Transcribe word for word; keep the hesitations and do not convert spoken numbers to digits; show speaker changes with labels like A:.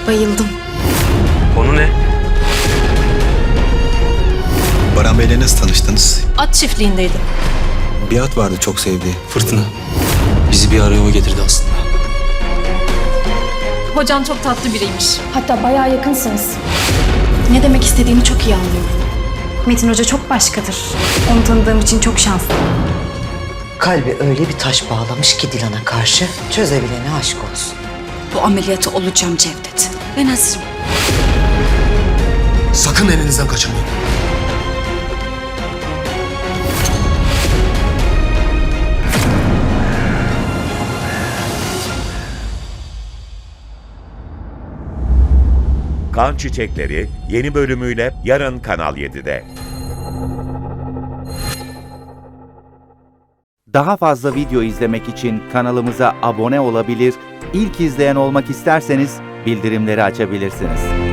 A: Bayıldım.
B: Konu ne?
C: Baran Bey'le nasıl tanıştınız?
A: At çiftliğindeydi.
C: Bir at vardı çok sevdiği.
B: Fırtına. Bizi bir araya o getirdi aslında.
A: Hocam çok tatlı biriymiş.
D: Hatta bayağı yakınsınız.
A: Ne demek istediğini çok iyi anlıyorum.
D: Metin Hoca çok başkadır. Onu tanıdığım için çok şanslıyım.
E: Kalbi öyle bir taş bağlamış ki Dilan'a karşı, çözebilene aşk olsun.
F: Bu ameliyatı olacağım Cevdet. Ben hazırım.
B: Sakın elinizden kaçırmayın.
G: Kan Çiçekleri yeni bölümüyle yarın Kanal yedide.
H: Daha fazla video izlemek için kanalımıza abone olabilir, ilk izleyen olmak isterseniz bildirimleri açabilirsiniz.